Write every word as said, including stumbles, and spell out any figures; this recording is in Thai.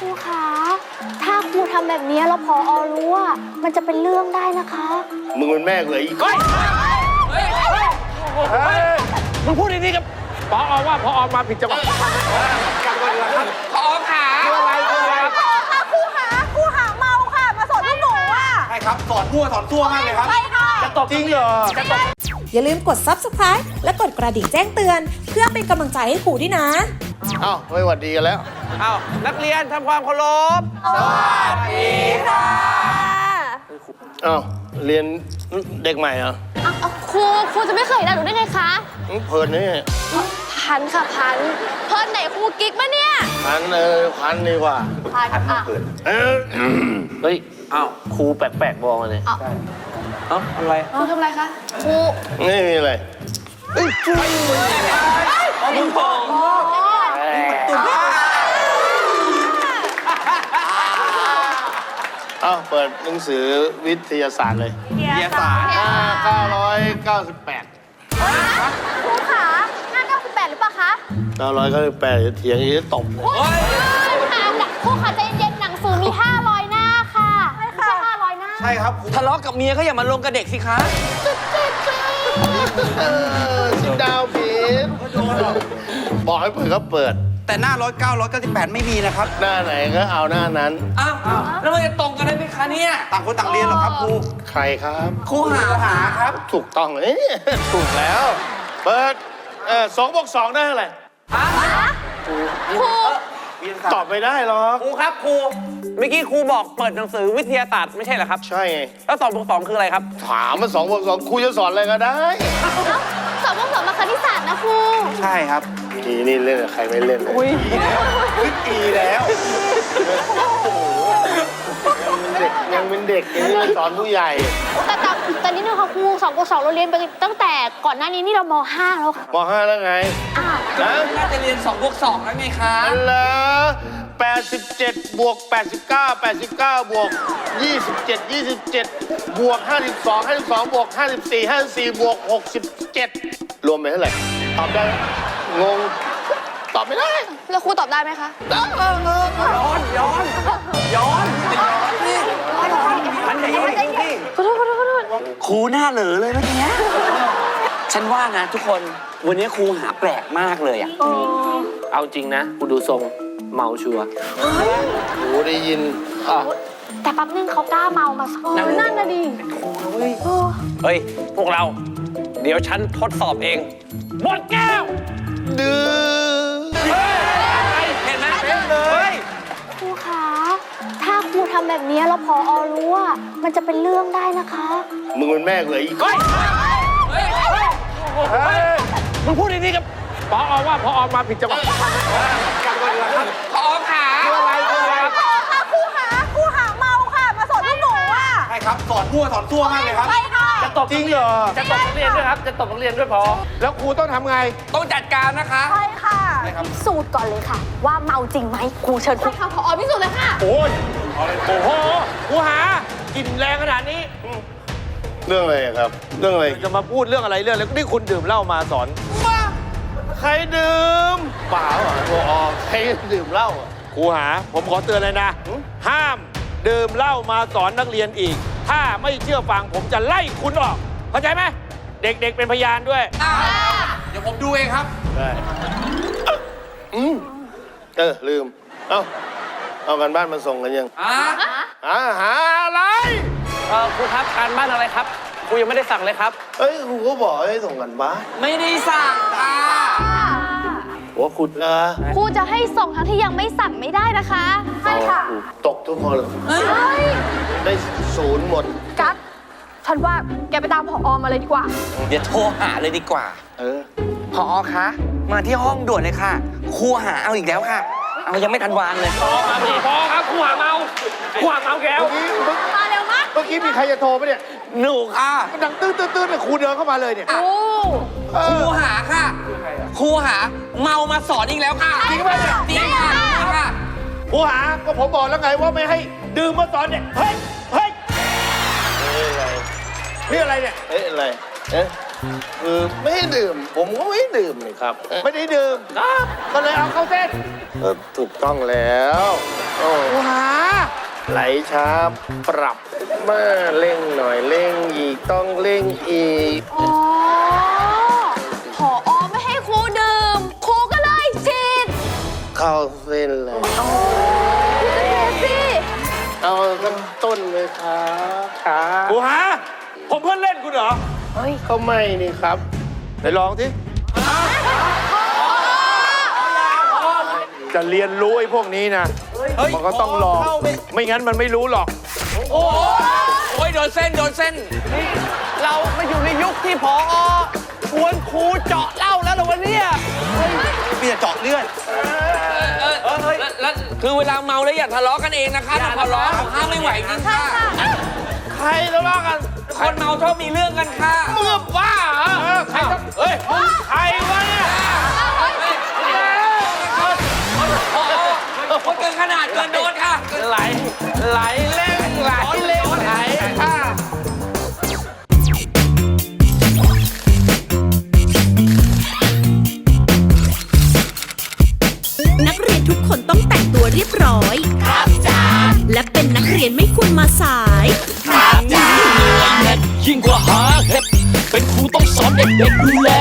รูคะถ้าครูทำแบบนี้แล้วพอรู้ว่ามันจะเป็นเรื่องได้นะคะมึงเป็นแม่เลยอีกคนมึงพูดดีๆกับพอว่าพอมาผิดจังหวะกันก่อนดีกว่าครับพอขาคืออะไรคืออะไรพอค่ะครูขาครูหาเมาค่ะมาสอนพวกหนูอ่ะใช่ครับสอนมั่วสอนซั่วมากเลยครับใช่ค่ะจะตบจริงเหรอจะตบอย่าลืมกด ซับสไครบ์ และกดกระดิ่งแจ้งเตือนเพื่อเป็นกำลังใจให้ครูด้วยนะอ้าวไม่หวัดดีกันแล้วอ้าวนักเรียนทำความเคารพสวัสดีค่ะอ้าวเรียนเด็กใหม่เหรอครูครูจะไม่เคยเห็นหนูได้ไงคะเพลินนี่พันค่ะพันเพิ่นไหนครูกิ๊กปะเนี่ยพันเออพันดีกว่าพันอ่ะเออเฮ้ยอ้าวครูแปลกๆบอกมาเลยเอ้าอะไรครูทำอะไรคะครูไม่มีอะไรเฮ้ยจุ๊ยมึงพองเอ้าเปิดหนังสือวิทยาศาสตร์เลยวิทยาศาสตร์หน้าเก้าร้อยเก้าสิบแปดครูขาหน้าเก้าสิบแปดหรือเปล่าคะเก้าร้อยเก้าสิบแปดเถียงอีกตบเลยครูขาใจเย็นๆหนังสือมีห้าร้อยหน้าค่ะไม่ใช่ห้าร้อยหน้าใช่ครับทะเลาะกับเมียก็อย่ามาลงกับเด็กสิคะสิดาวผิดบอกให้เปิดก็เปิดแต่หน้าร้อยเก้าร้อยเก้าสิบแปดไม่มีนะครับหน้าไหนก็เอาหน้านั้นอ้าวแล้วมันจะตรงกันได้ไหมคะเนี่ยต่างคนต่างเรียนหรอครับครูใครครับครูหาหาครับถูกต้องเลยถูกแล้วเปิดเออสองบวกสองได้เท่าไหร่ครูตอบไม่ได้หรอกครูครับครูเมื่อกี้ครูบอกเปิดหนังสือวิทยาศาสตร์ไม่ใช่เหรอครับใช่ไงแล้วสองบวกสองคืออะไรครับถามมาสองบวกสองครูจะสอนอะไรก็ได้สองบวกสองมาคณิตศาสตร์นะครูใช่ครับอีนี่เล่นกับใครไม่เล่นเลยขึ้นอีแล้วยังเป็นเด็กยังเป็นเด็กยังสอนผู้ใหญ่แต่แต่แต่นี่นึงค่ะครูสองบวกสองเราเรียนไปตั้งแต่ก่อนหน้านี้นี่เรามห้าแล้วค่ะมห้าแล้วไงนะน่าจะเรียนสองบวกสองแล้วไงคะนั่นแหละแปดสิบเจ็ดบวกแปดสิบเก้าแปดสิบเก้าบวกยี่สิบเจ็ดยี่สิบเจ็ดบวกห้าสิบสองห้าสิบสองบวกห้าสิบสี่ห้าสิบสี่บวกหกสิบเจ็ดรวมเป็นเท่าไหร่ตอบได้งงตอบไม่ได้แล้วครูตอบได้ไหมคะได้เออเออย้อนย้อนย้อนมันจะย้อนนี่ขอโทษขอโทษขอโทษครูหน้าเหลอเลยเมื่อกี้ฉันว่านะทุกคนวันนี้ครูหาแปลกมากเลยอ่ะเอาจริงนะกูดูทรงเมาชัวร์โอ้ได้ยินแต่แป๊บนึงเขากล้าเมามาสอนนั่นน่ะดิเฮ้ยพวกเราเดี๋ยวฉันทดสอบเองหมดแก้วดื้อเห็นไหมเห็นเลยครูคะถ้าครูทำแบบนี้แล้วพอรู้ว่ามันจะเป็นเรื่องได้นะคะมึงเป็นแม่เลยอีกคนมึงพูดดีๆกับพอว่าพอมาผิดจังหวะกันก่อนดีกว่าครับพอขาคืออะไรคืออะไรพอค่ะครูขาครูหาเมาค่ะมาสอนพวกหนูอ่ะใช่ครับสอนมั่วสอนซั่วมากเลยครับใช่ค่ะจะตบจริงเหรอจะตบนักเรียนด้วยครับจะตบนักเรียนด้วยพอแล้วครูต้องทำไงต้องจัดการนะคะใช่ค่ะพิสูจน์ก่อนเลยค่ะว่าเมาจริงไหมครูเชิญครูค่ะพอพิสูจน์เลยค่ะโอ้ยโอ้โหครูหากินแรงขนาดนี้เรื่องอะไรครับเรื่องอะไรจะมาพูดเรื่องอะไรเรื่องอะไรนี่คุณดื่มเหล้ามาสอนมาใครดื่มเปล่าอ่ะโอ้ใครดื่มเหล้าครูหาผมขอเตือนเลยนะห้ามดื่มเหล้ามาสอนนักเรียนอีกถ้าไม่เชื่อฟังผมจะไล่คุณออกเข้าใจไหมเด็กๆเป็นพยานด้วยเดี๋ยวผมดูเองครับได้อืมเออลืมเอ้าเอากันบ้านมาส่งกันยังอ่าอ่าหาอะไรเออครูครับการบ้านอะไรครับครูยังไม่ได้สั่งเลยครับเอ้ยครูก็บอกให้ส่งกันบ้านไม่ได้สั่งอ่าว่าคุณนะครูจะให้ส่งทั้งที่ยังไม่สั่งไม่ได้นะคะใช่ค่ะตกทุกคนได้ศูนย์หมดกั๊กฉันว่าแกไปตามผอ.มาเลยดีกว่าเดี๋ยวโทรหาเลยดีกว่าเออผอ.คะมาที่ห้องด่วนเลยค่ะครูหาเอาอีกแล้วค่ะเอายังไม่ทันวางเลยพอมาพี่พอครับครูหาเมาครูหาเมาแก้วมาเร็วมากเมื่อกี้มีใครจะโทรไหมเนี่ยหนูค่ะดังตื้อตื้อตื้อเนี่ยครูเดินเข้ามาเลยเนี่ยครูหาค่ะครูหาเมามาสอนอีกแล้วค่ะจริงไหมเนี่ยจริงค่ะจริงค่ะครูหาก็ผมบอกแล้วไงว่าไม่ให้ดื่มมาสอนเนี่ยเฮ้ยเฮ้ยนี่อะไรเนี่ยเฮ้ยอะไรเอ๊ะคือไม่ให้ดื่มผมก็ไม่ดื่มเลยครับไม่ได้ดื่มก็เลยเอาเข้าเส้นถูกต้องแล้วโอ้ไหลช้าปรับมาเร่งหน่อยเร่งอีกต้องเร่งอีกอ๋อผอไม่ให้ครูดื่ม ครูก็เลยฉีดเข้าเส้นเลยสิเอาสักต้นเลยครับครับกูหา ผมเพื่อนเล่นคุณเหรอก็ไม่นี่ครับไหนลองสิจะเรียนรู้ไอ้พวกนี้นะมันก็ต้องลองไม่งั้นมันไม่รู้หรอกโอ้ยโดนเส้นโดนเส้นเรามาอยู่ในยุคที่พอชวนครูเจาะเหล้าแล้วเหรอวันนี้เปียเจาะเลือดเออเออแล้วแล้วคือเวลาเมาแล้วอย่าทะเลาะกันเองนะคะถ้าทะเลาะห้ามไม่ไหวจริงค่ะใครทะเลาะกันคนเมาชอบมีเรื่องกันค่ะเมื่อบ้าเหรอใครจะเฮ้ยใครวะเนี่ยคนเกินขนาดเกินโดนค่ะไหลไหลเล่งไหลเล่งไหลค่ะนักเรียนทุกคนต้องแต่งตัวเรียบร้อย ครับจ้าและเป็นนักเรียนไม่ควรมาสายยิ่งกว่าหาเห็ดเป็นครูต้องสอนเด็กๆดูแล